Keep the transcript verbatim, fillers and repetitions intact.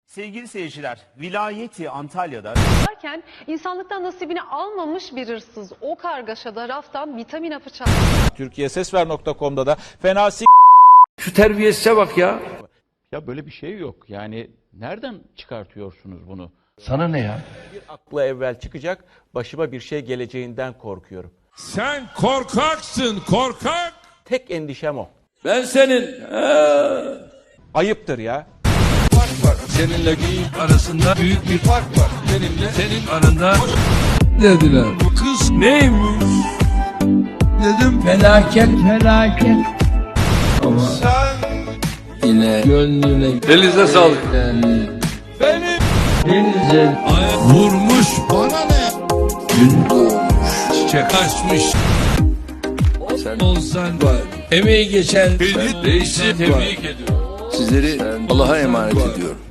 Sevgili seyirciler, vilayeti Antalya'da Derken insanlıktan nasibini almamış bir hırsız o kargaşada raftan vitamin hapı çaldı. Türkiye Sesver nokta com'da da fena s*** Şu terbiyesize bak ya. Ya böyle bir şey yok. Yani nereden çıkartıyorsunuz bunu? Sana ne ya? bir akla evvel çıkacak, başıma bir şey geleceğinden korkuyorum. Sen korkaksın, korkak. Tek endişem o. Ben senin. He. Ayıptır ya. Seninle geyik arasında büyük bir fark var. Benimle senin aranda dediler. Bu kız neymiş? Dedim felaket felaket. Ama sen yine gönlüne denize sağlık. Benim denize Vurmuş bana ne? gün doğmuş. Çiçek açmış. Sen olsan var. Emeği geçen reisi tebrik ediyorum. Sizleri Allah'a emanet ediyorum.